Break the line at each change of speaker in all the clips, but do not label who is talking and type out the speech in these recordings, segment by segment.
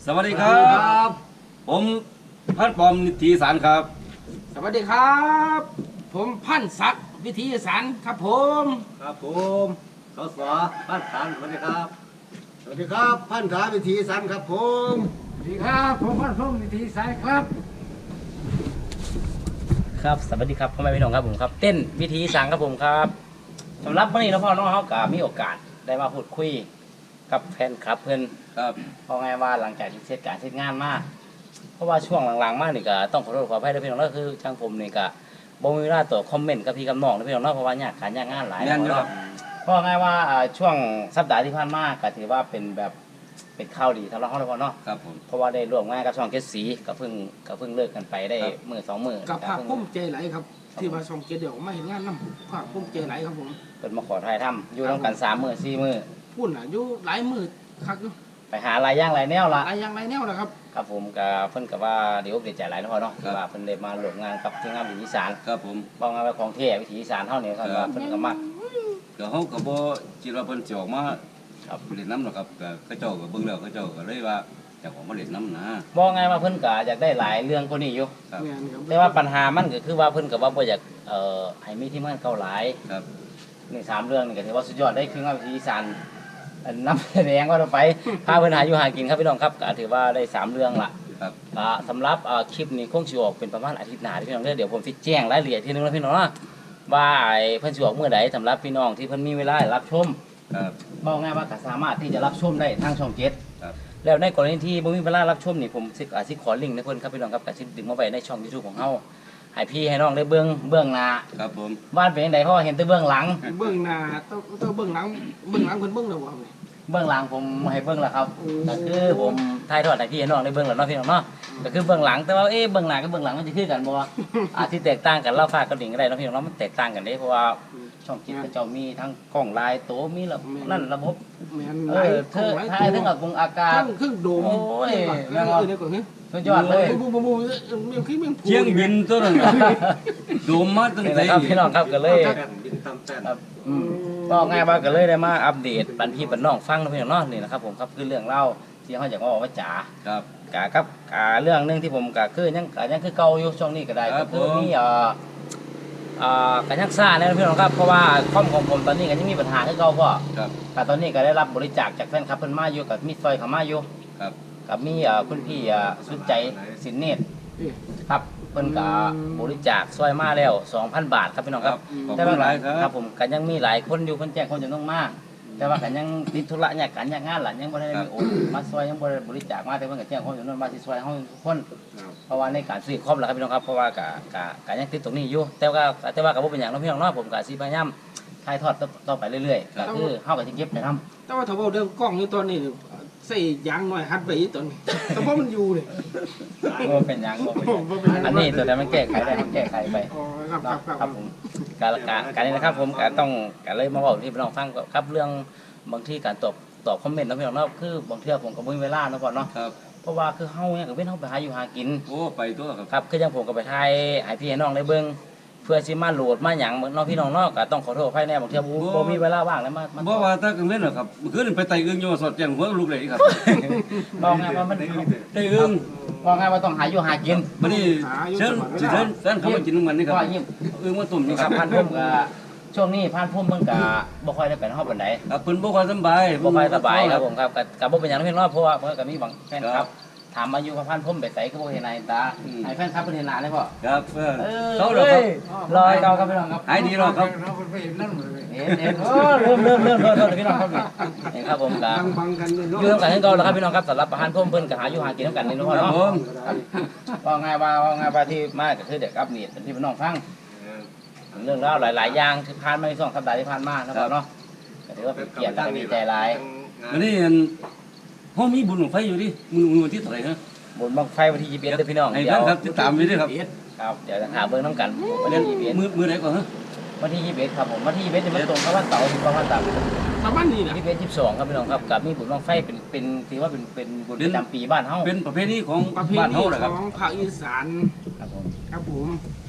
สวัสดีครับผมพันปอมนิติสารครับ
สวัสดีครับผมพันศักดิ์วิทยาสารครับผม
สสพันสารสวัสดีครับ
สวัสดีครับพันธาวิธีสันครับผม
สวัสดีครับผมพันพงศ์วิทยาสารครับ
ครับสวัสดีครับพ่อแม่พี่น้องครับผมครับเต้นวิธีสังครับผมครับสำหรับวันนี้น้องพ่อน้องเขาก็มีโอกาสได้มาพูดคุยกับแฟนคลับเพื่อน
ครับ
เพราะไงว่าหลังจากที่เสร็จการเสร็จงานมาเพราะว่าช่วงหลังๆมานี่ก็ต้องขอโทษขออภัยด้วยพี่น้องก็คือช่างผมนี่ก็บ่มีเวลาต่อคอมเมนต์กับพี่กับน้องนะพี่น้องเนาะเพราะว่ายากการยากงานหลาย
แน่นอยู่ค
เนาะ
รับ
เพราะไงว่าช่วงสัปดาห์ที่ผ่านมาก็ถือว่าเป็นแบบเป็นข่าวดีสำหรับเราเนาะ
ครับผม
เพราะว่าได้ร่วมงานกับช่องเกสีก็เพิ่งเลิกกันไปได้มื้อสองมื้อ
กับภาคพุ่มใจไหลครับที่มาส่งเกียรติเดี๋ยวมาเห็นงานน้ำภาคพุ่มใจไหลครับผม
เพิ่นมาขอถ่ายทำอยู่ร่วมกัน3 มื้อ4 มื้อ
พูดน่ะอยู่หลายมือคักอยู่
ไปหาลายย่างลายแนวละ
หลายอย่างหลายแนวนะครับ
ครับผมกับเพิ่นกับว่าเดี๋ยวเดี๋ยวใจหลายนะพ่อเนาะว่าเพิ่นได้มาร่วมงานกับทีมงานวิถีอีสาน
ครับผม
บอกงานว่าของเท่วิถีอีสานเท่านี้ครับว่าเพิ่นก็มัก
เดี๋ยวเขาก็บ่คิดว่าเพิ่นสิออกมา
ครับ
เล่นน้ำหรอกครับก็เขาเจ้าก็เบิ่งแล้วเขาเจ้าก็เลยว่าอยากออกมาเล่นน้ำนะ
บอกไงว่าเพิ่นก็อยากได้หลายเรื่องกว่านี้อยู่
ครับ
แม่นครับ
แต่ว่าปัญหามันก็คือว่าเพิ่นก็ว่าบ่อยากให้มีทีมงานเก่าหลาย
ครับ
นี่3 เรื่องนี่ก็ถือว่าสุดยอดได้คืองานวิถีอีสานอันนำแสดงว่าเราไปพาเพิ่นหาอยู่หากินครับพี่น้องครับก็ถือว่าได้3 เรื่องละ
ครับ
สำหรับคลิปนี้คงสิออกเป็นประมาณอาทิตย์หน้าที่พี่น้องเด้อเดี๋ยวผมสิแจ้งรายละเอียดทีนึงนะพี่น้องนะว่าเพิ่นสิออกมื้อใดสำหรับพี่น้องที่เพิ่นมีเวลารับชม
ครับ
บอกง่ายว่าก็สามารถที่จะรับชมได้ทางช่อง7
ครับ
แล้วในกรณีที่บ่มีเวลารับชมนี่ผมสิขอลิงก์ให้เพิ่นครับพี่น้องครับก็สิดึงมาไว้ในช่อง YouTube ของเฮาให้พี่ให้น้องได้เบื้องหน้า
ครับผม
ว่าเป็นจังไดเพราะว่าเห็นแต่เบื้องหลัง
เบื้องหน้าต้องเบื้องหลังเพิ่นเบื้องแล้วบ่ครับเนี่ย
เบื้องหลังผมให้เบื้องแล้วครับ
โอ้
ก็คือผมถ่ายทอดให้พี่ให้น้องได้เบื้องแล้วเนาะพี่น้องเนาะก็คือเบื้องหลังแต่ว่าเบื้องหน้ากับเบื้องหลังมันจะคือกันบ่อาจสิแตกต่างกันเล่าฟ้ากับดิ่งก็ได้เนาะพี่น้องเนาะมันแตกต่างกันเด้เพราะว่าช่อง7เขาเจ้ามีทั้งกล้องลายโตมีระบบนั่นระบบ
แม่น
เอ
หลาย
อเธอถ่ายทั้งอากงอากาศ
เครื่องโดม
โอ้ย
เดี๋ยวก่อน
สุดยอดเลย
บูมีขึ้นเป็น
เชียงบินตัวนั้นน่ะโดมมาตั้ง
นี่
แต่
นะครับพี่น้องครับก็เลย
บินตามแต้น
ครับก็ง่ายว่าก็เลยได้มาอัปเดตปันพี่ปันน้องฟังนะพี่น้องเนาะนี่นะครับผมครับคือเรื่องเล่าที่เขาอยากมาบอกว่าจ๋า
ครับ
กะครับเรื่องหนึงที่ผมกะคือยังคือเก่าอยู่ช่วงนี้ก็ได้
ครั
ก็
บ
คือ
ผม
มีกันยักซ่าเนี่ยนะพี่น้องครับเพราะว่าคอมของผมตอนนี้ก็ยังมีปัญหาคือเก่าพ่อ
ครับ
แต่ตอนนี้ก็ได้รับบริจาคจากแฟนคลับเพิ่นมาอยู่กับมีซอยเขามาอยู่
ครับ
กับมีคุณพี่สุดใจสินเนตร
เอ้ย
ครับเพิ่นก็บริจาคซอยมาแล้ว 2,000 บาทครับพี่น้อง
ค
ค
รั
รั
บบ ขอบ
แต่
คุ
ว่า
ณหลายค
ค
รั
รั
บบ
ผมก็ยังมีหลายคนอยู่เพิ่นแจ้งคนจำนวนมาก แต่ว่าก็ยังติดธุระเนี่ยการยากงานหลานยังบ่ได้มีโอนมาซอยยังบ่ได้บริจาคมาแต่เพิ่นก็แจ้งคนจำนวนมาสิซอยเฮาทุกคนเพราะว่าในการซื้อคอมล่ะครับพี่น้องครับเพราะว่าก็ยังติดตรงนี้อยู่แต่ว่าก็บ่เป็นหยังเนาะพี่น้องเนาะผมก็สิพยายามถ่ายทอดต่อไปเรื่อยๆก็คือเฮาก็สิเก็บไปทำ
แต่ว่าถ้าว่าเรื่องกล้องอยู่ตอนนี้ใส่ยางหน่อยหัดไปอีกตอนนี้แต่ว่ามันอยู่เลย
บ่เป็นหยังบ่เป็นหยังอันนี้ตัวใดมันแก้ไขได้มันแก้ไขไป
อ๋อครับครับครับ
ครับผมการนี้นะครับผมก็ต้องการเลยมาบอกที่พี่น้องฟังครับเรื่องบางที่การตอบคอมเมนต์นะพี่น้องเนาะคือบางเทื่อผมก็บ่มีเวลาเนาะพ่อเนาะ
ครับ
เพราะว่าคือเฮาเนี่ยก็เว้นเฮาไปหาอยู่หากิน
โอ้ไปตัวครับ
ครับคือจังผมก็ไปถ่ายให้พี่ให้น้องได้เบิ่งเพื่อสิมาโหลดมาหยังเนาะพี่น้องเนาะก็ต้องขอโทษภายในบางเทื่อบ่มีเวลาว่างแล้วมา
บ่ว่าถ้ากังเว้นหรอกครับเมื่อคืนไปไต่อึ่งอยู่สอดแจ้งหัวลูกเลยครับ
บอกไงว่ามัน
ไต่อึ่ง
บอกไงว่าต้องหาอยู่หากิน
บัดนี้เชิญเขามากินน้ำมันนี่ครับ
ก็ยิ้ม
อึ่งมาตุ่ม
นี่
นี่
ค
ค
รั
รั
บบ พันพุ่มก็ช่วงนี้พันพุ่มเพิ่นก็บ่ค่อยได้ไปเฮาปานใด
ครับเพิ่นบ่ค่อยสำบาย
บ่ค่อยสบายครับผมครับกับบ่เป็นหยังเพียงน้อยเพราะว่าเพิ่นก็มีบางแฟนครับถามมาอยู่กับพันพุ่มไปไสก็บ่เห็นหน้าเห็นตาให้แฟนครับเพิ่นเห็นหน้าได้พ่อ
ครับ
เขา
เขาแล้วครับ
รอยเก่าครับพี่น้องครับ
หายดีแล้วครับ
เห็นโอ้เริ่มโทษพี่น้องครับนี่ครับผมก็
บังกันเลย
อยู่นำกันคือเก่าแล้วครับพี่น้องครับสำหรับพันพุ่มเพิ่นก็หาอยู่หากินนำกันนี่เนาะ
ครั
เนาะ
บผม
ว่าไงว่าที่มาก็คือเด็กอัปเดตเป็นที่พี่น้องฟังเรื่องราวหลายๆอย่างที่ผ่านมาใน2สัปดาห์ที่ผ่านมานะครับเนาะก็ถือว่าเป็นเกียรติและดีใจหลาย
อันนี้เฮามีบุญของไฟอยู่ดิมื้อวันที่เท่าไหร่ฮะ
บนบังไฟวันที่21เด้อพี่น้อง
ให้
เดี๋
แฟ
ยวน
ครับติดตามไว้ด้วยครับ
ครับเดี๋ยวจะหาเบิ่งน้ำกันวันที่21
มื้อไหนก่อนฮะ
วันที่21ครับผมวันที่21นี่มันตรงกับวันเสาร์ที่ประมาณตาม
ชาวบ้านนี่นะ
22ครับพี่น้องครับกับมีบุญบังไฟเป็นถือว่าเป็นบุญประจำปีบ้านเฮา
เป็นประเพณีของ
ประเพ
บ้าน
ณี
เฮาแหละ
ข
ครับ
องภาคอีสาน
ครับผม
ครับผม
บ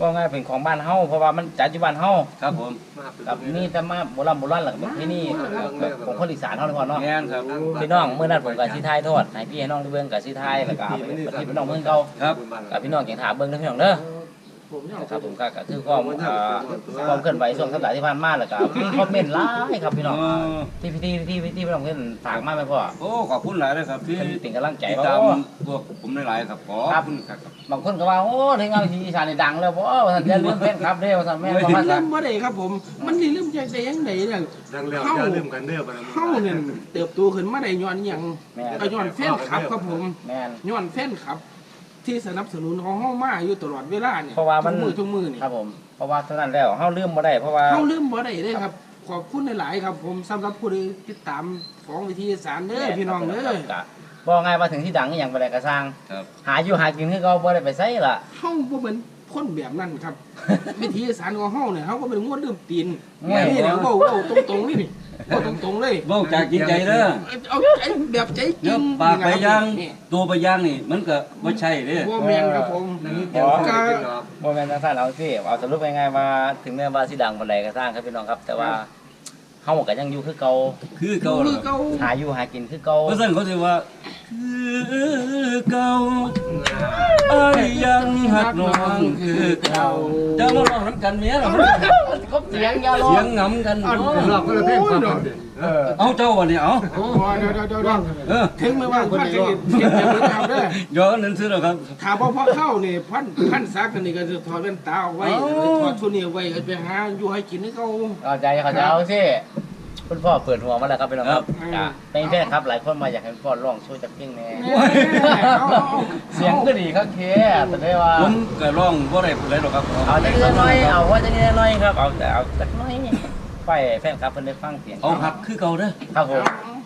ก็ง่ายเป็นของบ้านเฮาเพราะว่ามันจัดอยู่บ้านเฮา
ครับผม
กับนี่แต่มาโบราณหลังแบบที่นี่ของคนอีสานเฮาเลยพ่อเนาะ
แม่นครับ
พี่น้องเมื่อนั้นผมกับสิทายโทษให้พี่ให้น้องได้เบิ่งกับสิทายแล้วก็เอาไปที่พี่น้องเบิ่งเก่า
ครับ
กับพี่น้องเก่งถามเบิ่งเด้อพี่น้องเด้อ
ผมเนี่ย
นะครับผมก็คือความความเคลื่อนไหวช่วงสัปดาห์ที่ผ่านมาแล้วก็มีคอมเมนต์หลายครับพี่น้องที่พี่น้องเพิ่นฝากมาไหมพ่อ
โอ้ขอบคุณหลายเลยครับที่
เพิ่นเป็นกำลังใจ
ติด
ว่า
ตาม
โอ้
พวกผมหลายๆครับขอบคุณครับ
บางคนก็ว่าโอ้ถึงเอาทีอีสานนี่ดังแล้วบ่ว่าซั่นอย่าลืมแฟนคลับเด้อว่าซั่นแม่นบ่ว่า
เริ่
ซั่น
มบ่ได้ครับผมมันนี่เริ่มจากได้ยังไงเนี่ย
ดังแล้วอย่าลืมกันเด้อบ่
เฮาเนี่ยเติบโตขึ้นมาได้ย้อนหยัง
แม่น
ก็ย้อนแฟนคลับครับผม
แม่น
ย้อนแฟนคลับ ที่สนับสนุนของเฮามาอยู่ตลอดเวลาเนี่ย
เพราะว่ามัน
ทุกมือนี่
ครับผมเพราะว่าเท่านั้นแล้วเฮาลืมบ่ได้เพราะว่า
เฮาลืมบ่ได้เด้ครับขอบคุณหลายๆครับผมสำหรับผู้ที่ติดตามของวิทยาศาสตร์เด้อพี่น้องเด้อ
บ่ไงว่าถึงที่ดังอหย่างบ่ได้ก็สร้าง
ครับ
หาอยู่หากินคือเก่าบ่ได้ไปไสล่ะ
เฮาบ่เป็นคนแบบนั้นครับ วิทยาศาสตร์ของเฮาเนี่ยเฮาก็เป็นงวดลืมตีน
แม่น
นี่แหละเว้าตรงๆนี่เว้าตรงๆเลย
เว้าจากจริงใจเด้อ
เอาใจแบบใจจริ
เนื้อง ปากไปย่างตัวไปย่างนี่มันก็บ่ใช่เด้อ
บ่แม่นครับผม
เดี๋ยวจะกินหรอก
บ่แม่นจังซั่นเอาสิเอาสรุปง่ายๆว่าถึงแม้ว่าสิดังปานใดก็สร้างครับพี่น้องครับ แต่ว่าเฮาก็ยังอยู่คือเก่า
คือเก่า
คือ
ล่ะ
เก่า
หาอยู่หากินคือเก่า
เพราะฉะนั้นเขาสิว่าคือเก่าไอ้ายยังหักน้องคือเก่าจะมาร้องน้ำกันเมียเหรอ
ครบเสียงอย่าร้อ
เสีย
ง
งงำกันเนาะ
รอบก็เลยเพ่งความเด่น
เอาเจ้าวันนี้เอา
โอ้ยเดี๋ยว
เออ
ถึงไม่ว่าพันจะเก็บจะเก็บเด้อ
ย้อนนั้นซื้อแล้วครับ
ถ้าบ่พอเข้านี่พันซักนี่ก็จะถอดแว่นตาเอาไว้ถอดชุดนี้ไว้ไปหาอยู่ให้กินให้เขา
เข้าใจเอาสิคุณพ่อเปิดหัวมาแล้วครับพี่น้องครับจ้ะเป็นแฟนครับหลายคนมาอยากให้คุณพ่อร้องโชว์จักเพลงแหน่เสียงก็ดีครับเคแต่ได้ว่า
ผมก็ร้องบ่ได้ผู้ใดหรอกครับ
เอาจักนิดหน่อยเอาว่าจักนิดหน่อยครับเอาแต่เอาจักหน่อยไปแฟนครับเพิ่นได้ฟังเสียง
เอาหักคือเก่าเด้อ
ครับผม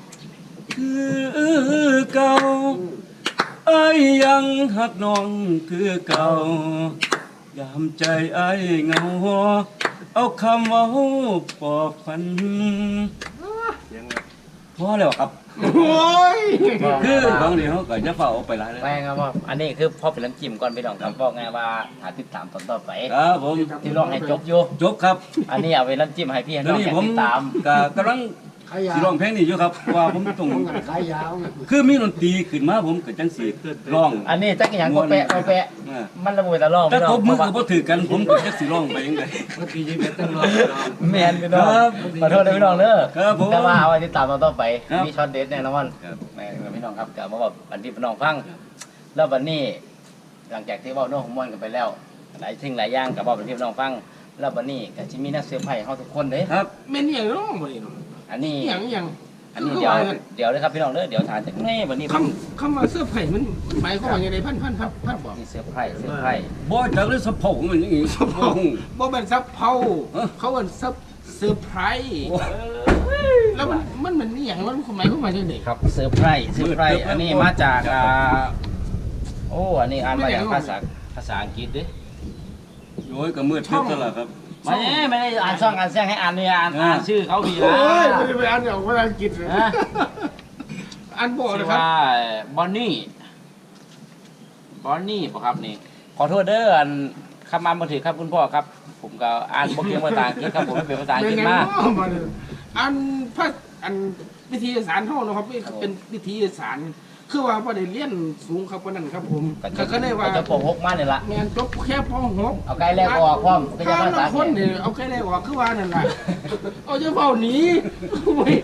คือเก่าไอ้ายยังหักน้องคือเก่ายามใจไอ้ายเหงาเอาคำเว่าปลอบฝันพอแล้วครับ
โอ้ย
คือบางทีเขาก็จะเฝ้าเอาไปหลายเลย
ไม่ครับว่าอันนี้คือพอเป็นน้ำจิ้มก่อนพี่น้องครับบอกไงว่าหาติดตามตอนต่อไป
ครับผม
ที่ร้องให้จบอยู่
จบครับ
อันนี้เอาไว้น้ำจิ้มให้พี่ให้
ตอ
น้
น
อง
นี้
อยาก
ผม
ติดตาม
ก็กำลัง
ขายยา
สิร้องเพลงนี้อยู่ครับว่าผมต้อง
ขายยาว
คือมีดนตรีขึ้นมาผมก็จังสิร้อง
อันนี้จักอย่างก็แปะก็แปะ
เออ
มันระเบิดตะล่อง
ถ้า
พี่น้
ต
อง
บมือก็บ่ถือกันผมก็จักสิร้องไปจังได๋
เมื่อกี้ยิ่งเป็นตั้งรอบ
แมนพี่น้อง
ครับ
ขอโทษด้วยพี่น้องเด้อ
ครับผม
แต่ว่าเอาไว้ติดตามตอนต่อไป
ครับ
มีช็อตเด็ดแน่นอน
ครับ
แม่พี่น้องครับเดี๋ยวมาบอกอันที่พี่น้องฟังแล้ววันนี้ หลังจากที่เว้าโน้องม่วนกันไปแล้วหลายสิ่งหลายอย่างกับบอกเป็นพี่น้องฟังแล้ววันนี้ก็สิมีนักเซอร์ไพรส์เฮาทุกคนเด้
ครับ
แม่นอย่างร้องบ่นี่เนาะ
อันนี้
อย่าง
อันนี้เดี๋ยวเลยครับพี่น้องเด้อเดี๋ยวถามจากแม่วันนี้
คำว่าเสื้อไผ่มันหมายความว่าอย่างไรพันบอก
มีเซอร์ไพรส์
บ่จักเลยสะโพกมันอย่างงี้สะโพก
บ่เป็นซับเผา
เอ้อ
เขาเป็นซับเซอร์ไพรส์แล้วมันนี่อย่างมันหมายความว่าจังได๋
ครับเซอร์ไพรส์อันนี้มาจากโอ้อันนี้อ่านมาจากภาษาอังกฤษเด้
โอ้ยก็มืดทึบซะแล้วครับ
ไม่ได้อ่านช่องอ่านแซงให้อ่านเนี่ยอ่านชื่อเขาดีนะ
โอ้ยไม่ได้ไปอ่านออกภาษาอังกฤษเลย
นะ
อ่านบ่
ชื่
นะ
อ
ครับ
ว่าบอนนี่ป่ะครับนี่ขอโทษเด้ออันคำอ่านบ่ถือครับคุณพ่อครับ ผมก็อ่านบ่เก่งภาษาอังกฤษครับผมไม่เป็นภาษาอังกฤษมา
อันพระอันวิทยาศาสตร์เฮาเนาะครับเป็นวิทยาศาสตร์คือว่าบ่ได้เรียนสูงครับปานนั้นครับผมก็เลยว่า
จะปกหกมาเนี่ยละ
แม่นจบแค่ป .6
เอาไกลแรกออกพร้อมก็จะ
ถ้า
ภาษา
ละ
อัง
ค
กฤ
น
ษ
นี่เอาแค่แรกออกคือว่านั่นล่ะเอาจะเฝ้าหนีโอ้ย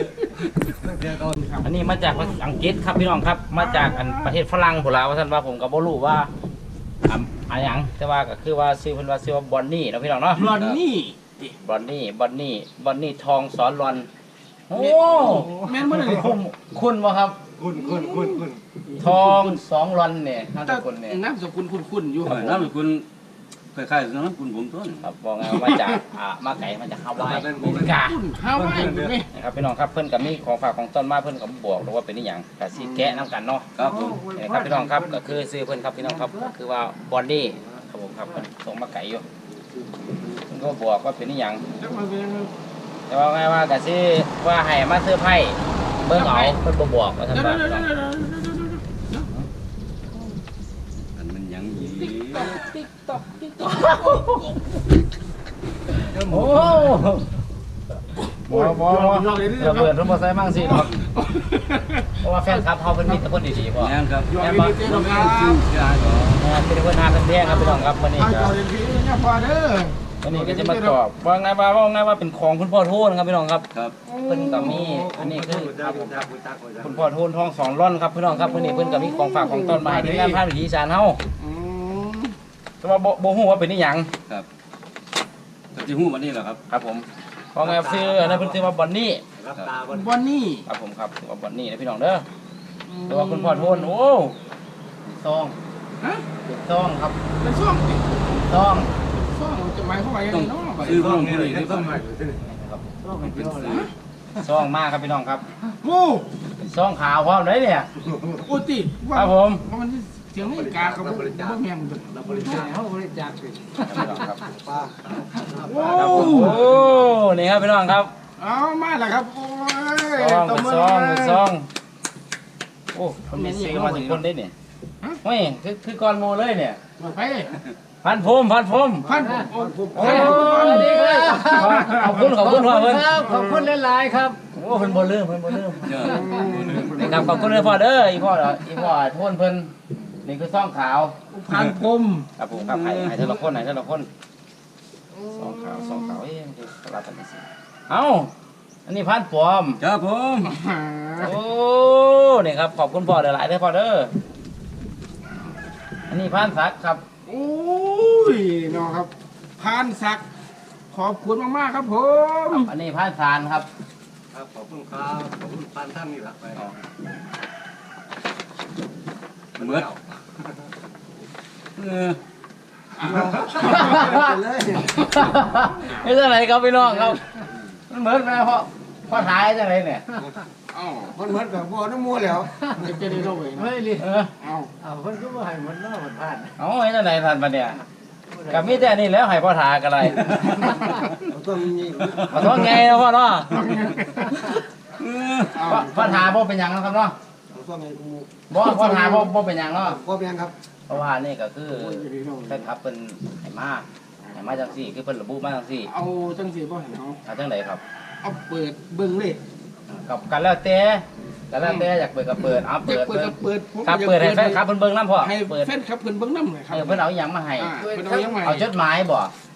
อันนี้มาจากอังกฤษครับพี่น้องครับ มาจากอันประเทศฝรั่งพุ่นล่ะว่าซั่นว่าผมก็บ่รู้ว่าอันหยังแต่ว่าก็คือว่าชื่อเพิ่นว่าชื่อว่าบอนนี่เนาะพี่น้องเนาะ
รอนนี่
บอนนี่ทองสอนรอนโอ้
แม่นบ่ได้
คุณบ่ครับ
คุณ
ทองสองรอนเนี่ยนามสกุลเนี่ย
นามสกุลคุ้นๆอยู่
เออน้ำคุณคล้ายๆน้ำคุณผมต้น
ครับบอกไงว่ามาจากมาไก่มาจากฮาวายอเมริกา
คุ้นฮาวายอยู่นี่
นะครับพี่น้องครับเพิ่นกับมีของฝากของต้นมาเพิ่นกับบอกหรือว่าเป็นนี่หยังก็สิแกะนํกันเนาะ
ครับผม
นะครับพี่น้องครับก็คือซื้อเพิ่นครับพี่น้องครับก็คือว่าบอนนี่ครับผมครับเพิ่นส่งมาไก่อยู่เพิ่นก็บอกว่าเป็นนี่หยัง
จักมาเป็น
แต่ว่าไงว่าก็สิว่าให้มาซื้อไพ่เบิ่งเอาเพิ่นบ่บอกว่าซั่นว่า
อันมันยังอี
ติ๊กตอกติ๊กตอก
โอ้บ่ระเบิดรถมอเตอร์ไซค์มั่งสิครับเพราะว่าแฟนคลับเขาเป็นมิตรแต่คนดีๆบ่
แม่นครับ
ยอ
แม่
ด
น
ดี
บ่
เจ้าครับ
เป็นคนหาเป็นแพงครับพี่น้องครับวันนี้
ให้
ก็
จอเรียนพี่เนี่ยพอเด้อ
วันนี้ก็จะมาตอบว่าไงว่าเป็นของคุณพ่อโทนครับพี่น้องครับ
ครับ
เพิ่นก็มีอันนี้คือครับคุณพ่อโทนทองสองร่อนครับพี่น้องครับวันนี้เพิ่นก็มีของฝากของต้นไม้ที่งานพาดวิถีอีสานเฮา
อืม
แต่ว่าบ่ฮู้ว่าเป็นอีหยัง
ครับก็สิฮู้วันนี้แหละครับ
ครับผมเพราะไงซื้ออันนั้นเพิ่นซื้อว่าบอนนี่
รับตาบน
วันนี้
ครับผมครับซื้อว่าบอนนี่นะพี่น้องเด้อแต่ว่าคุณพ่อโทนโอ้ซอง
ฮะ
เป็นซองครับ
เป็นช่วง
ซอง
ช่วงจะหมายความว่ายังไงเนาะ
ซื้อ
ต้
เพิ่
อง
ม
นี่
ผู้
เล
นี้
ย
ได้
ต้
บ่
องใหม่ที่นี่
ครับ
ต้องเป็นเจ้าเลย
ซองมากครับพี่น้องครับ
โอ้
เป็นซองขาวพร้อมเลยเนี่ย
โอ้ติว่า
ครับผม
ว่ามันเสียงนาฬิกาครับบ่แม่นเด้อ
เราบริจาคเขาบริจาคสิ
ครับพี่น้องครับ
ป้า
โอ้
โอ้นี่ครับพี่น้องครับ
เอามาแล้วครับโอ้ย
ซอง
ตบ
เป็น
มื
ซอง
ล
เป็
ย
นซองโอ้คนมีซื้อมาถึงคนได้เนี่ยเฮ้ยคือก่อนโมเลยเนี่ย
ไป
พันพุ่ม
พันผมโอ้
โอ้ขอบคุณพ่อเพิ่น
ขอบคุณหลายๆครับ
โอ้เพิ่นบ่ลืมเพิ่นบ่ลืม
เจอ
นี่ครับขอบคุณเลยพ่อเด้ออีพ่อโทนเพิ่นนี่คือซองขาว
พันผม
ครับผมครับให้แต่ละคนให้แต่ละคนซองขาวเอ้ยมันคือสลับกันสิเอ้าอันนี้พันปลอม
ครับผม
โอ้นี่ครับขอบคุณพ่อหลายๆเด้อพ่อเด้ออันนี้พันศักดิ์ครับ
โอ้ยน้องครับพันศักดิ์ขอบคุณมากๆครับผม
อันนี้พันสารครับ
ครับขอบคุณครับขอบคุณพันท่านนี่หลักไป
เหมือนเออ
เลย
นี่จังไหนครับพี่น้องครับมันเหมือนไหมพ่อถ่ายจังไหนเนี่ย
เอ้า
มันเหมือนกับบัวน้ำมูแล้ว
จะได้รู้ไว้นะ
เฮ้ยลิ
เออ
เอ้า
เอาคนก็มาให้มันน่ามันผ่าน
เอาไอ้จังไหนทันปะเนี่ยกับมีแต่นี่แล้วให้พ่อถ่ายกันเลย
ต้องมี
มาท้องไงนะพ่อเนาะ
เออ
เอ้า
พ่อถ่ายบ่เป็นหยังนะครับเนาะ
ต้องมีกู
พ่อถ่ายบ่เป็นหยังเนาะ
ก็เป็นครับ
เพราะว่านี่ก็คือแฟนคลับเป็นให้มาจังซี่คือเพิ่นระบุมาจังซี่
เอาจังสิบ่เห็นเอา
เอาจังไดครับ
เอาเปิดเบิ่งเลย
กับกันแล้วแต่อยากเปิดก็เปิดเอา
จะ
เปิด
เปิดผม
ครับเปิดให้แฟนคลับเพิ่นเบิ่งนำพ่อ
ให้
เปิด
แฟนครับเพิ่นเบิ่งนำเลยครับ
เพิ่นเอาอีหยังมาให้
เพิ่นเอายังไง
เอาจดหมายบ่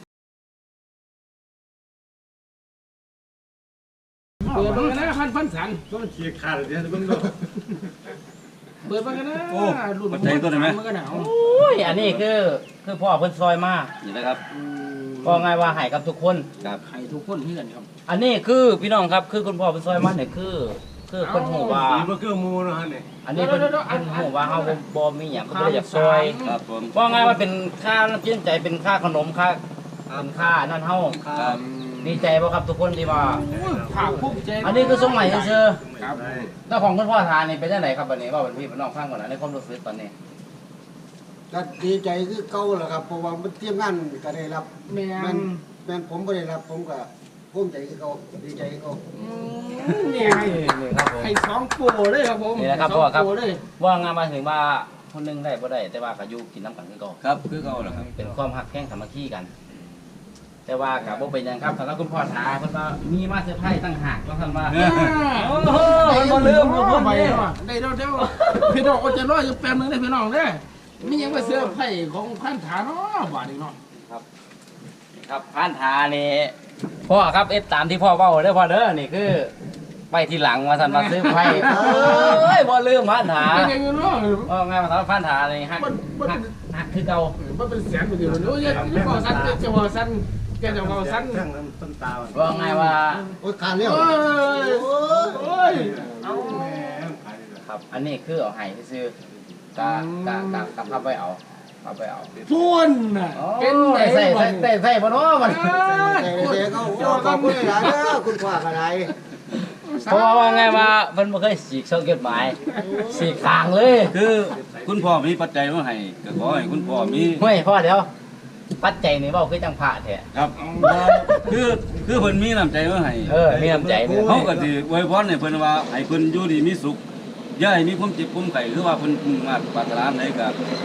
เปิดเบิ่งกันนะพันสัน
ต้องฉีกขาดเลยนะเพิ่งดู
เปิดเบิ่งกันนะรุ่น
มาใจตัวได้ไหม
มันก็หนาว
โอ้ยอันนี้คือพ่อเพิ่นซอยมา
นี่นะครับ
ก็ง่ายว่าให้กับทุกคน
ครับ
ให้ทุกคนที่กันครับ
อันนี้คือพี่น้องครับคือคุณพ่อเป็นซอยมันเนี่ยคือเพิ่นฮู้ว่า
มีมันคือมูนะฮะเนี่ย
อันนี้เพิ่นฮู้ว่าเฮาบ่มีหยังเพิ่นบ่ได้อยากซอย
ครับผม
ว่าไงว่าเป็นค่าน้ำจิ้มใจเป็นค่าขนมค่าเป็นค่านั่นเฮา
ครับ
ดีใจบ่ครับทุกคนที่มา
ภาคภูมิใจ
อันนี้คือสงใหม่ซื่อ
ครับ
ๆแล้วของคุณพ่อทานนี่เป็นจังไดครับบัดนี้ว่าเป็นพี่เป็นน้องฟังก่อนนะในความรู้สึกตอนนี้
ก็ดีใจคือเก่าแหละครับเพราะว่ามันเตรียมงานก็ได้รับ
แม่
แม่
น
แม่ผมก็ได้รับผมก็ภูมิใจคือเก่าดีใจคือเก่า
นี่ให้
นี่ครับผม
ให้สองโปรเลยครับผม
นี่แหละครับ
สอง
พ่อครับ
โปรเลย
ว่างานมาถึงว่าคนหนึงได้บ่ได้แต่ว่าก็อยู่กินน้ำกันคือเก่า
ครับคือเขาแหละครับ
เป็นความหักแข้งสามัคคีกัน แต่ว่ากับบ่เป็นหยังครับสำหรับคุณพ่อถาเพิ่นว่ามีมาเซอร์ไพรส์ตั้งหากว่าท่านว่า โอ้โหมันบ่ลืมบ่
พ่
เพิ่
อน ไป
นี่
แล้วอะได้แล้วเดี๋ยวพี่น้องก็จะรออยู่แป๊บนึงได้พี่น้องเด้อมีหยังมาเสื้อร์ไผ่ของพันฐานเนาะบาดนี้เนาะ
ครับผ่านทานี่พ่อครับเอฟตามที่พ่อเว้าเด้อพ่อเด้อนี่คือไปทีหลังว่าท่านมาซื้อไฟเอ้ยบ่ลืมผ่านทา
เป็นยังไงเนาะ
ว่าไงมาทำผ่านทานี่ฮักฮักคือเก่า
มันเป็นแสนไปเดียวโอ้ยจะบอกสั้นจะบอกสั้นแกจะบอกสั้น
เครื่องต้นตา
ว่าไงว่า
โอ้ยขาดเลี้ยว
โอ้ยโอ้ยเอา
ครับ อันนี้คือเอาให้ซื้อกะพับไว้เอาพับไว้เอา
พูนน่ะเป็นไหน
ใส่บ่เนาะมัน
แต่เด็กเขาโอ้ขอบคุณหลายนะคุณพ่อก็ได้
เพราะว่าไงว่าเพิ่นบ่เคยสีกเส้นจดหมายสีกข้างเลย
คือคุณพ่อมีปัจจัยมาให้ก็ขอให้คุณพ่อมี
เฮ้ยพ่อเดี๋ยวปัจจัยนี่เว้าคือจังพระแท้
ครับคือเพิ่นมีน้ำใจมาให้
มีน้ำใจเนี่ย
เขาก็สิอวยพรให้เพิ่นว่าให้เพิ่นอยู่ดีมีสุขอย่าให้มีความเจ็บความไข้คือว่าเพิ่นมุ่งมาตรปรารถนาใดก็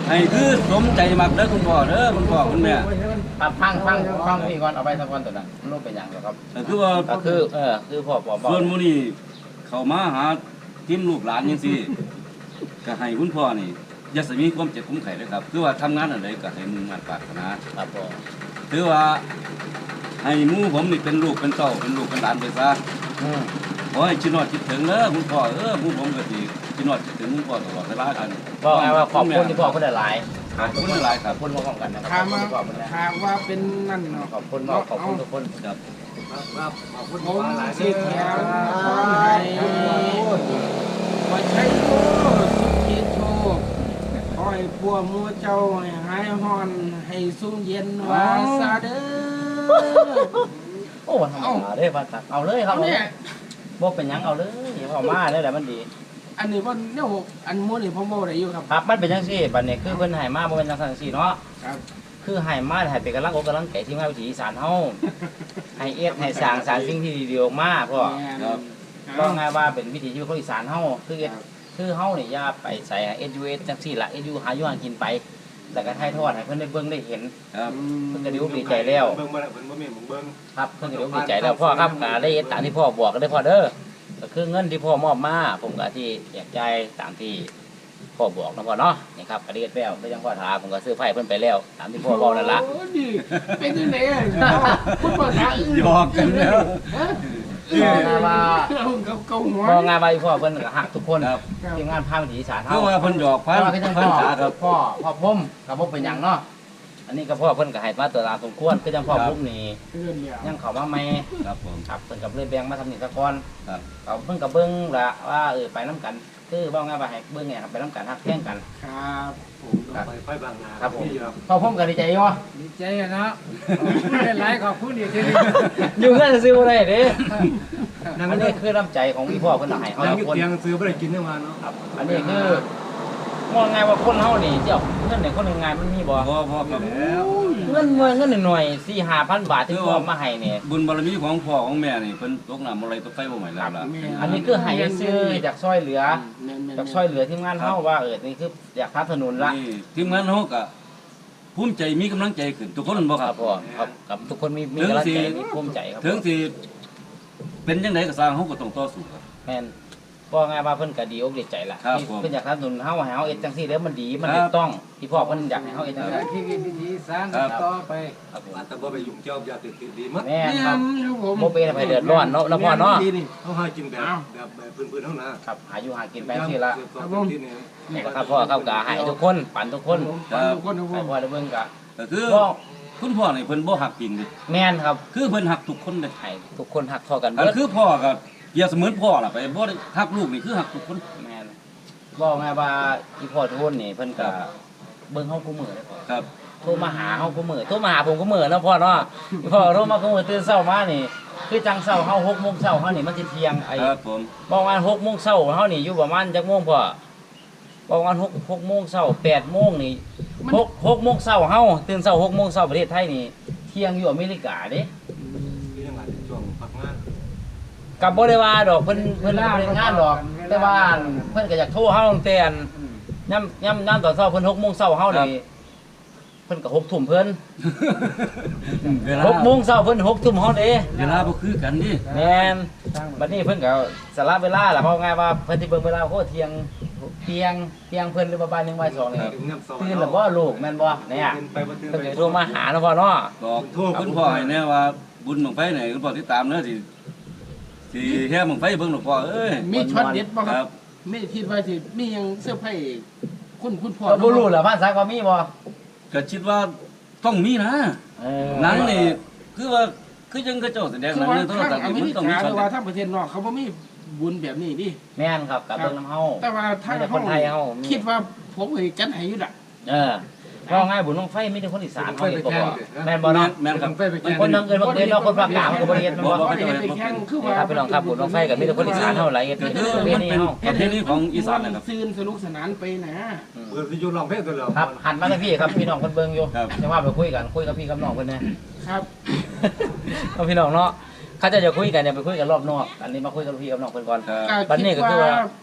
ให้คือสมใจมักเด้อคุณพ่อเด้อคุณพ่อคุณแม่
ครับฟังพี่ก่อนเอาไปสักวันตัวนั้นมันรู้เป็นอย่างไรครับ
ก็คือว่า
ก็คือคือพ่อบอก
ส่วนมื้อนี้เข้ามาหาทีมลูกหลานจังซี่ก็ให้คุณพ่อนี่อย่าสิมีความเจ็บความไข้เด้อครับคือว่าทำงานอันใดก็ให้มุ่งมั่นปรารถนา
ครับพ่อ
ถือว่าให้หมู่ผมนี่เป็นลูกเป็นเต้าเป็นลูกเป็นหลานไปซะ ขอให้ชินอดคิดถึงเด้อคุณพ่อหมู่ผมก็สิชินอดคิดถึงคุณพ่อตลอดเวลากัน
บอกไงว่าขอบคุณที่พ่อคุณหลาย
ขอบคุณหลายค
ข
รั
อ
บบ
คุณพร้อมกันนะค
ถา
รั
ม
บ
ว่า
ที่พ่อคุณนะ
ถามว่าเป็นนั่นเนาะ
ขอบคุณทุกคน
ครับ
ผมสิแถวขอให้ว่าใช้โชคสุขีโชคขอให้พวกหมูเจ้าให้หายฮอนให้สูงเย็นว่าซาเด้อ
โอ้ธรรมดาเด้อพ่อตักเอาเลยครับ
เอาเนี่ย
บ่เป็นหยังเอาเลยพ่อมาเลยแหละมันดี
อันนี้ว่าเนี่ยอันหมูนี่ผมบอกได้อยู่ครับ
ครับมันเป็นจังซี่บัดนี้คือเพิ่นให้มาบ่เป็นจังซั่นซี่เนาะ
ครับ
คือให้มาให้เป็นกำลังอกกำลังใจที่มาวิถีอีสานเฮาให้เอ็ดให้สร้างสรรค์สิ่งที่ดีๆออกมาพ่อ
ครับ
ก็ไงว่าเป็นวิถีชีวิตของอีสานเฮาคือเอ็ดคือเฮานี่อย่าไปใส่เอ็ดยูเอสจังซี่ล่ะเอ็ดยูหาอยู่หากินไปแต่ก็ถ่ายทอดให้เพิ่นได้เบิ่งได้เห็น
ครับ
เพิ่นก็ดีใจแล้ว
เบิ่งบ่ได้เพิ่นบ่มีหมึงเบิ่ง
ครับเพิ่นก็ดีใจแล้วพ่อครับก็ได้เอ็ดตามที่พ่อบอกก็ได้พ่อเด้อก็คือเงินที่พ่อมอบมาผมก็ที่แจกจ่ายตามที่พ่อบอกนะพ่อเนาะนี่ครับก็ได้เอ็ดแล้วก็ยังพ่อถามผมก็ซื้อไฟเพิ่นไปแล้วตามที่พ่อบอกนั่นล่ะ
โอ้ดีเป็นยังไงคุณภาษาอื่น
หยอกกันแล้ว
บอกไงว่า
เกาหัว
บอกไงว่าอีพ่อเพิ่นก็ฮักทุกคน
ครับ
ทีมงานพาวิถีอีสาน
คื
เฮา
อว่าเพิ่นหยอกพัน
พ่อก็จัง
พั
พ่
น
อ
ษาครับ
พ่อผมกับผมเป็นหยังเนาะอันนี้ก็พ่อเพิ่นก็ให้มาตัวตามสมควรคือจังพ่อ
ครับ
ผมนี่
เรื่องเดียว
ยังเข้ามาใหม่
ครับผม
ครับเพิ่นกับเลยแบ่งมาทำนี่ซะก่อน
ครับ
เขาเพิ่นก็เบิ่งละว่าไปนํกันคือว่าไงว่าให้เบิ่งไงครับไปนํกันฮักแท่งกัน
ครับผม
ไปบางนา
ครับผม
นี่ครับ
พ่อผมก็ดีใจอยู่
ดีใจอะเนาะเป็นไรขอบคุณอีกทีนึง
อยู่เงินซื้อบ่ได้เด้อันนี้คือน้ำใจของอีพ่อเพิ่นให้เฮา
นั่ง
ทุ
อก ยู่
คน
เตียงซื้อบ่ได้กินทั้งวันเนาะ
ครับอันนี้คือมองไงว่าคนเฮานี่เจ้าเงินในคนง่ายๆมันมีบ่
พ่อครับ
เงินหน่อยๆ 4-5,000 บาทที่พ่อมาให้เนี่ย
บุญบารมีของพ่อของแม่นี่เพิ่นตกน้ำอะไรตกไฟบ่ไหม้แล้วล่ะ
อันนี้คือให้ซื้อจากซอยเหลือจากซอยเหลือทีมงานเฮาว่านี่คืออยากสนับสนุนละ
นี่ทีมงานเฮาก็ภูมิใจมีกำลังใจขึ้นทุกคนบ่
ค
ค
รั
รั
บบ พ่อครับกับทุกคนมีกำลังใจมีภูมิใจครับ
ถึงสิเป็นจังไดก็สร้างเฮาก็ต้องต่อสู้ครับ
แม่นพ่อไงว่าเพิ่นก็ดีอกดีใจละ
ครับ
ที่
ผม
เพิ่นอยากสนับสนุนเฮาให้เฮาเอ็ดจังซี่แล้วมันดีมัน
ครับ
ถูกต้องที่พ่อเพิ่นอยากให้เฮาเอ็ดจังซี่
ที่วิธีสร้าง
ครับ
ต่อไป
ครับผม
แต่บ่ไปยุ่งเกี่ยวยาติดดีมั้ย
แม่น
นี่
ครับ
ครับผม
บ่เป็นให้เดือดร้อนเนาะแล้วพ่อเนาะ
เฮาหากินแบบพื้นๆเท่านั้น
ครับหาอยู่หากินไปจังซี่ละ
ที่นี่
นี่แหละครับพ่อครับก็ให้ทุกคนปั่นทุกคน
ทุกคนทุกค
ให้
น
พ่อได้เบิ่งก็
ก็คือ
พ่อ
คุณพ่อนี่เพิ่นบ่หักจริงเด้
แม่นครับ
คือเพิ่นหักทุกคนเด้
ให้ทุกคนหักเท่ากัน
อั
เบิ
น
ด
คือพ่อก็เปรียบเสมือนพ่อล่ะไปบ่ได้หักลูกนี่คือหักทุกคน
แม่นบอกไงว่าอีพ่อโทนนี่เพิ่นก็เบิ่งเฮาคู่มือเลยพ่อ
ครับ
โทรมาหาเฮาคู่มือโทรมาหาผมคู่มือเนาะพ่อเนาะอีพ่อโทรมาคู่มือตื่นเช้ามานี่คือจังเช้าเฮา6:00 นเช้าเฮานี่มันสิเที่ยงไอ้
ครับผม
บอกว่า6:00 นเช้าเฮานี่อยู่ประมาณจักโมงพ่อบอกว่า6:00 นเช้า8:00 นนี่6:00 นเช้าเฮาตื่นเช้า6:00 นเช้าประเทศไทยนี่เที่ยงอยู่อเมริกาเด้
ที่ยังหลายช่วงพักงาน
กับบ่ได้ว่าดอกเพิ่นบ่ได้งานดอกแต่ว่าเพิ่นก็อยากโทรเฮาตั้งแต่ย่ำตอนเช้าเพิ่น6:00 นเช้าเฮานี่เพิ่นก็6 ทุ่มเพิ่น
เวลา
6 โมงเช้าเพิ่น6 ทุ่มเฮาเด้
เวลาบ่คือกันดิ
แม่นบัดนี้เพิ่นก็สละเวลาล่ะเพราะง่ายว่าเพิ่นสิเบิ่งเวลาโคเที่ยงเพิ่นหรือประมาณ1 บ่าย 2นี่ตื่นแล้วบ่ลูกแม่นบ่เนี่ย
ไปบ่ตื่น
เพิ่นก็โทรมาหาเนาะพ่อเนาะ
บอกคุณพ่อให้แน่ว่าบุญบังไฟไหนคุณพ่อติดตามเด้อสิแค่บังไฟเบิ่งหลวงพ่อเอ้ย
มีช็อตเด็ดป่ะค
ค
รั
รั
บบ ไม่คิดว่าสิมียังเสื้อผ้าคุณพ่อ
ก็บ่รู้ล่ะบ้านซักว่ามีบ่
ก็คิดว่าต้องมีนะ
เออ
หนังนี่คือว่าคือจังกระเจ้าแสดง
คื
ห
อ
นัง
ว่า
ในโทร
ทาง
ทัศน์
อ
นี่
เม
มัน
ริ
ต้องมี
กาห
ช็อ
รื
ต
อว่าทางประเทศนอกเขาบ่มีบุญแบบนี้ดิ
แม่นครับกับเบิ่งน้ำเฮา
แต่ว่าทาง
มีแต่คนไทยเฮามี
คิดว่าผมเคยจัดให้อยู่ล่ะ
เออเพราะง่ายบุญน้องไฟมีแต่คนอีสานเขาเห็นบ่บ่แม่นบ่เนาะ
แม่นครับ
มันคนทางเอิ้นบ่เอิ้นเนาะคนภาคกลางมันก็บ่ได้เฮ็ดแม่นบ่
บ่ได้ไปแข่งคือว่า
ครับพี่น้องครับบุญน้องไฟก็มีแต่คนอีสานเฮาหลายเฮ็ด
ก็
เป็น
คือ
ประเพ
มัน
ณี
เป็น
เฮา
ประเพณีของอีสานนะครับ
ซื่นสนุกสนานไปนะ
เปิดสิอยู่ร้องเพลงตัวแล้ว
ครับหันมาทางพี่ครับพี่น้องเพิ่นเบิ่งอยู่
ครับ
จะว่าไปคุยกันคุยกับพี่กับน้องเพิ่นแหน่
ครับ
เอาพี่น้องเนาะเขาจะคุยกันเนี่ยไปคุยกันรอบนอกอันนี้มาคุยกับพี่กับน้องเพิ่นก่อน
ครับ
ก็
บัดนี้
คิด
ก็คือว่า
ว่า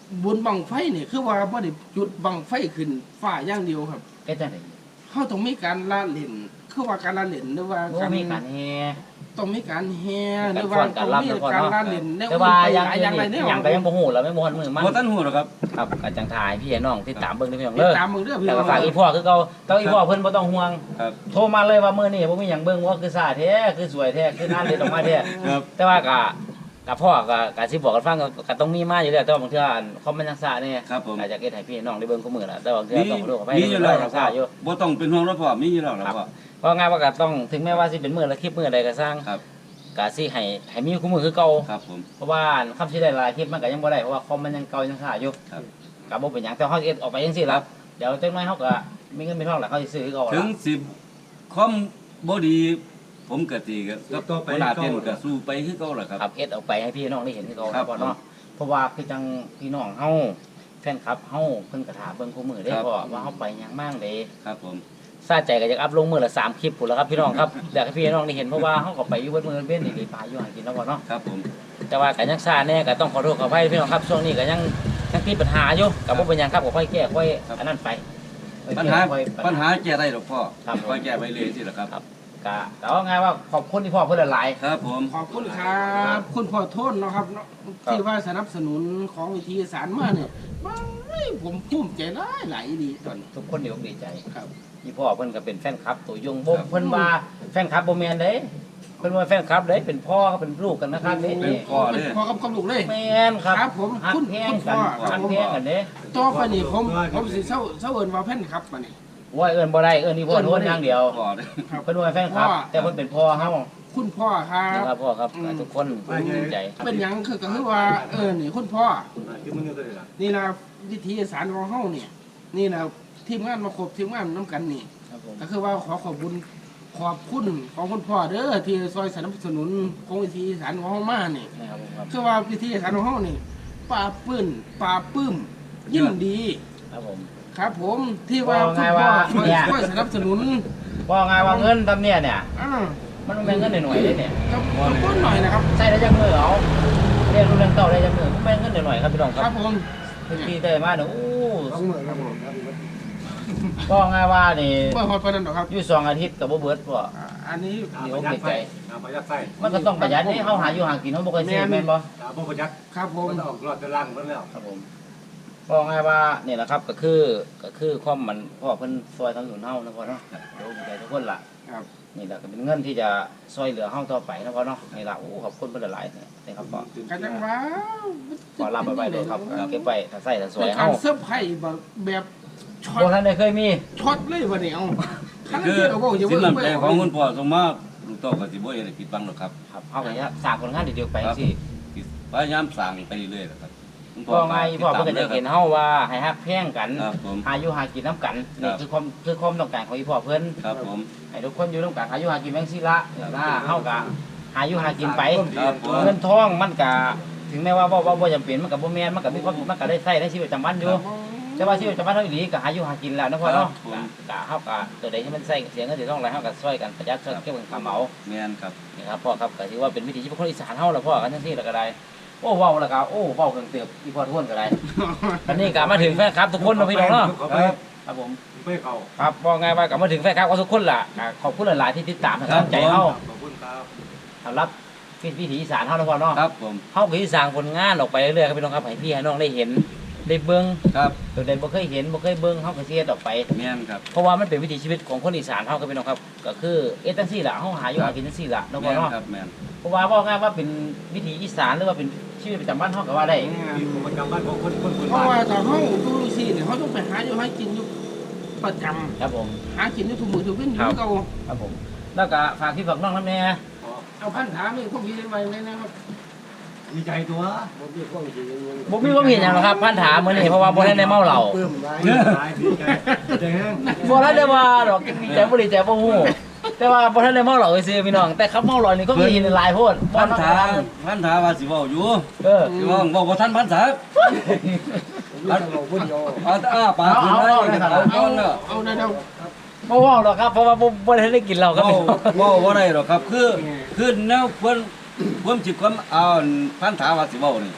บุญบังไฟนี่คือว่าบ่ได้จุดบังไฟขึ้นฟ้าอย่างเดียวครับ
เฮ็ดจังได๋
เฮาต้องมีการละเล่นคือว่าการละเล่นหรือว่า
บ่มีการแฮ
ต้องมีการแห่ห
กา
รื
ร
อ
ฟ้
ว่า
อนกา
ต้
ร
อง
รำ
มี
แล้วก็
การ
เนาะ
ละเล่นใน
แต่ว่า
อื่น
ยัง
ไปอย่างไร
นี่
เนี่ย
ยังก็ยังบ่ฮู้แล้วไม่บ่ฮู้มือมัน
บ่ทันฮู้หรอกครับ
ครับก็จังถ่ายพี่น้องที่ตามเบิ่งเด้อพี่น้อง
ติด
เด้อ
ตามมึงเด้อพี่
แต่
น้
ก็
อง
ฝากอีพ่อคือเก่าแต่อีพ่อเพิ่นบ่ต้องห่วง
ครับ
โทรมาเลยว่ามื้อนี้บ่มีหยังเบิ่งว่าคือซ่าแท้คือสวยแท้คืองานเด็ดออกมาแท้
ครับ
แต่ว่าก็พ่อก็สิบอกกันฟังก็ต้องมีมาอยู่แล้วแต่ว่าบางเทื่อคอมเมนต์ทางซ่านี่
ครับผม
อาจจะเฮ็ดให้พี่น้องได้เบิ่งคู่มือล่ะแต่บางเทื่อ
มี
ต้องขอโทษขออภัย
มีอยู่แล้ว
ทางซ่าอยู่
บ่ต้องเป็นห่วงแล้วพ่อมีอยู่แล้วล่ะพ่อ
เพราะงานว่าก็ต้องถึงแม้ว่าสิเป็นมื้อละคลิปมื้อใดก็สร้าง
ครับ
ก็สิให้มีคู่มือคือเก่า
ครับผม
เพราะว่าคำสิได้หลายคลิปมันก็ยังบ่ได้เพราะว่าคอมมันยังเก่ายังซ่าอยู่
ครับ
ก็บ่เป็นหยังแต่เฮาเฮ็ดออกไปจังซี่ล่ะเดี๋ยวจักหน่อยเฮาก็มีเงินมีทองแล้วเขาสิซื้อคือเก่า
ถึ
ล่ะ
งสิคอมบ่ดี ผมก็สิกับหัวหน้าเต้นก็สู้ไปคือเก่าล่ะครับ
ครับเอ็ดเอาไปให้พี่น้องได้เห็นคือเก่า
ครับ
พ่อเนาะเพราะว่าคือจังพี่น้องเฮาแฟนคลับเฮาเพิ่นก็ถามเบิ่งคู่มือได้
ครับ
พ่อว่าเฮาไปหยังมั่งเด้
ครับผม
ซาใจก็อยากอัพลงมือละ3คลิปพุ่นแล้วครับพี่น้องครับอยากให้พี่น้องได้เห็นเพราะว่าเฮาก็ไปอยู่เบิดมื้อเว้นนี่ปลาอยู่หากินแล้วพ่อเนาะ
ครับผม
แต่ว่าก็ยังซ่าแน่ก็ต้องขอโทษขออภัยพี่น้องครับช่วงนี้ก็ยังติดปัญหาอยู่ก็บ่เป็นหยังครับก็ค่อยแก้ค่อยอันนั้นไปค่อย
ปัญ
แก้
หา
ค่อย
ปัญหาแก้ได้หรอกพ่อ
ครับผม
ค่อยแก้ไปเลยสิล่ะครับ
ครับก็แต่ว่าไงว่าขอบคุณที่พ่อเพิ่นหลาย
ครับผม
ขอบคุณครับ คุณพ่อโทษเนาะครับเนาะที่ว่าสนับสนุนของวิธีสารมาเนี่ยผมภูมิใจหลายดีตอนนี้
ๆทุกคนดีใจ
ครับ
พี่พ่อเพิ่นก็เป็นแฟนคลับตัวยงบ่เพิ่นว่าแฟนคลับบ่แม่นเด้เพิ่นว่าแฟนคลับเด้เป็นพ่อก็เป็นลูกกันนะครับนี่
เป็นพ่อ
เป็นพ่อกับลูกเลย
แม่นครับ
ครับผม
ฮัก
คุณ
แพง
คุณพ่
กัน
อครับ
ฮักแพงกันเด้
ต่อไปนี่ผมสิเศร้าเอิ้นว่าแฟนครับมานี่
ว่าเอิ้นบ่ได้เอิ้นนี่พ่อโทษอย่างเดียว
พ่อเด้อ
ครับ
เพิ่นว่าแฟนคลับ แต่เพิ่นเป็นพ่อเฮา
คุณพ่อครับ
นะครับพ่อครับทุกคนภูมิใจ
เป็นหยังคือก็คือว่านี่คุณพ่อ
คือมันอยู่ตัวนี้ล่ะ
นี่นะวิธีสารของเฮาเนี่ยนี่นะทีมงานมาครบทีมงานน้ำกันนี่
ครับผม
ก็คือว่าขอขอบคุณของคุณพ่อเด้อที่ซอยสนับสนุนของวิธีสารของเฮามานี่
นะครับผมครับ
คือว่าวิธีสารของเฮานี่ปลาปื้นปลาปื้มยิ่งดี
ครับผม
ครับผมที่ว่า
ว่า
คุ
ไง
ณพ่อ
ว่า
ช่วย
เนี่ย
ช่วยสนับสนุน
ว่าไงว่าเงินตำเนี่ยเนี่ย
อ่า
มันบ่แม่นเงินหน่อยๆเด้เนี่ย
ก็ต้นหน่อยนะครับ
ใช้ได้จักมือเอาเรียนรู้เรื่องเก่าได้จักมือบ่แม่นเงินหน่อยๆครับพี่น้องค
ค
รั
รั
บบ
ผม
ที่ได้มาเนี่ยโอ้
ต้องมือครับผมครับ
ก็ไงว่านี่
เมื่อฮอดปานนั้นดอกครับ
อยู่2อาทิตย์ก็บ่เบิดบ่
อันนี้
ประหยัดไฟประหยัดไฟ
มันก็ต้องประหยัดนี่เฮาหาอยู่หากินเฮาบ่เคยซื้อแม่นบ่
บ่ประหยัด
ครับผม
มันออกรอดจะล่างหมดแล้ว
ครับผมก็ไงว่านี่แหละครับก็คือความมันพ่อเพิ่นซอยทางหนุนเฮานะพ่อเนาะเดี๋ยวดีใจทุกคนล่ะ
ครับ
นี่แหละก็เป็นเงินที่จะซอยเหลือเฮาต่อไปนะพ่อเนาะนี่ล่ะโอ้ขอบคุณเพิ่นหลายๆนะครับพ่อ
กันจังว่า
ขอรับไว้เลยครับเก็บไว้ถ้าใส่ถ้าสว
เป็
ย
นกา
เฮาร
เซอร์ไพรส์แบบช็อ
บ่
ต
ทันได้เคยมี
ช็อตเลยวันนี้เอาคัน
คือ
เดียวก็บอกอย่า
สิน
เพิ่ง
น้ำใจของคุณพ่อส่งมาลูกเต้าก็สิบ่ได้ผิดหวังหรอกครับ
ครับเฮาก็จะสร้างผลงานดีๆไปจังซี่
พยายามสร้างไปเรื่อยๆนะครับคุณ
พ่อไงพ่อเพิ่นก็จะเห็นเฮาว่าให้ฮักแพงกัน
ครับผม
หาอยู่หากินน้ำกัน
ครั
นี่
บ
คือความต้องการของอีพ่อเพิ่น
ครับผม
ให้ทุกคนอยู่ร่วมกันหาอยู่หากินแบงซี่ละนะเฮาก็หาอยู่หากินไป
ครับผม
เงินทองมันก็ถึงแม้ว่าบ่จำเป็นมันก็บ่แม่นมันก็มีความมันก็ได้ใช้ในชีวิตประจำวันอยู่แต่ว่าชีวิตประจำวันเฮาอีหลีก็หาอยู่หากินแล้วนะพ่อเนาะก็เฮาก็ตัวใดที่มันใช้เสียเงินเสียทองอะไรเฮาก็ช่วยกันประหยัดช่วยเก็บเงินคำเอา
แม่นครับ
นี่ครับพ่อครับก็ถือว่าเป็นวิถีชีวิตคนอีสานเฮาล่ะพ่อกันจังซี่แล้วก็ได้โอ้เว้าแล้วก็โอ้เว้าเครื่องเติบอีพ่อทุกคนก็ได้วันนี้ก็มาถึงแฟนคลับทุกคนเนาะพี่น้องเนาะ
เขาไป
ครับผม
ไปเขา
ครับบอกไงว่ากลับมาถึงแฟนคลับก็ทุกคนล่ะขอบคุณหลายๆที่ติดตามให้กำลังใจเฮา
ขอบคุณครับ
สำหรับวิถีอีสานเฮานะพ่อเนาะ
ครับผม
เฮาก็สิสร้างผลงานออกไปเรื่อยๆครับพี่น้องครับให้พี่ให้น้องได้เห็นได้เบิ่ง
ครับ
ตัวใดบ่เคยเห็นบ่เคยเบิ่งเฮาก็สิเฮ็ดออกไป
แม่นครับ
เพราะว่ามันเป็นวิถีชีวิตของคนอีสานเฮาครับพี่น้องครับก็คือจังซี่ล่ะเฮาหาอยู่หากินจังซี่ล่ะเนาะพ่
แม่
อน เนาะ
ครับแม่น
เพราะว่าบอกง่ายว่าเป็นวิถีอีสานหรือว่าเป็นชีวิตประจำวันเฮาก็ว่าได้
มีประจำบ้านของคนพื้น
เพราะ
บ้าน
ว่าถ้าเขาดูสิเนี่ยเขาต้องไปหาอยู่ให้กินอยู่ประจ
ครับผม
ำหากินอยู่ทุกมื้อทุกเว้นอยู่เก่า
ครับผมแล้วก็ฝากพี่ฝากน้องนำแน่
เอาพันถามนี่พวกพี่ได้ไว้ไหมนะครับ
ดีใจตัว
ผมมีความคิดอย่างนี้
บ่มีความเห็นหยังหรอกครับพันถามมื้อนี้เพราะว่าบ่ทันได้เมาเหล้า
ปลื้มไว้
ดีใจแห้ง
บ่ทันได้ว่าดอกดีใจบ่ดีใจบ่ฮู้แต่ว่าบ่ทันได้เมาเหล้าซื่อๆพี่น้องแต่ครับเมาเหล้านี่ก็มีหลายโพด
พันธาว่าสิเว้าอยู่
เออ
สิเว้าบ่ทันพันธา
ผมมีแต่เราคนเดียว
เอาแต่อ้าปากขึ้นได้เอาย้อนเนาะ
เอาได้แล้ว
บ่เว้าหรอกครับเพราะว่าบ่ได้ได้กินเหล้าครับ
เว้าบ่ได้หรอกครับคือแนวควรความจิตความเอาพันธาว่าสิเว้านี่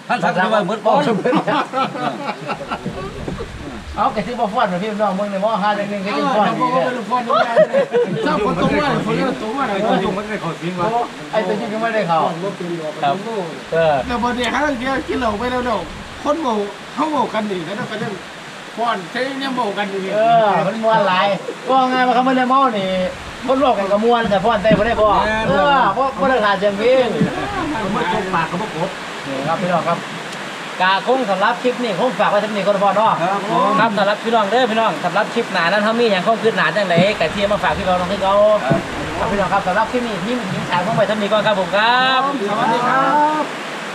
ท่านทักไปว่าเหมือนป้อน
เอาแกที่บ่ฟ้อนมาพี่น้องมึงในหม้อ5 1 1ก็ยังฟ้อน
ถ้า
อยู่
บอก
เนี่
ว่าย เป็นคนดูแลเจ้าคนตรงว่าคนเรื่องตรงว่าอะไร
ไอ้ตัวยุ่งมันได้ขอสิงวะ
ไอ้ตัวจริงก็ไม่ได้เข้า
บ่เป็นหรอก
ครับเออ
แต่บางทีครั้งเดียวกินเหล้าไปแล้วเนาะคนโมเขาโมกันดีแล้วก็ยังฟ้อนใช้เนี่ยโมกันดี
เออมันม่วนหลายก็ไงว่าเขาไม่ได้เมานี่คนโลกกันก็ม่วนแต่ฟ้อนเต้บ่ได้บ่เออบ่ได้ขาดจังพี่
เขาไม่จกปากเขาไม่กบ
นี่ครับพี่น้องครับกาคงสำหรับคลิปนี้คงฝากไว้ที่นี่ก็พอเนาะครับสำหรับพี่น้องเด้อพี่น้องสำหรับคลิปหน้านั้นเฮามีหยังคงคืบหน้าจังได๋ก็ที่มาฝากพี่น้องคือเขาครับพี่น้องครับสำหรับคลิปนี้ทีมชาติของไปทำนี้ก่อนครับผมครับ
สวัสดีครับ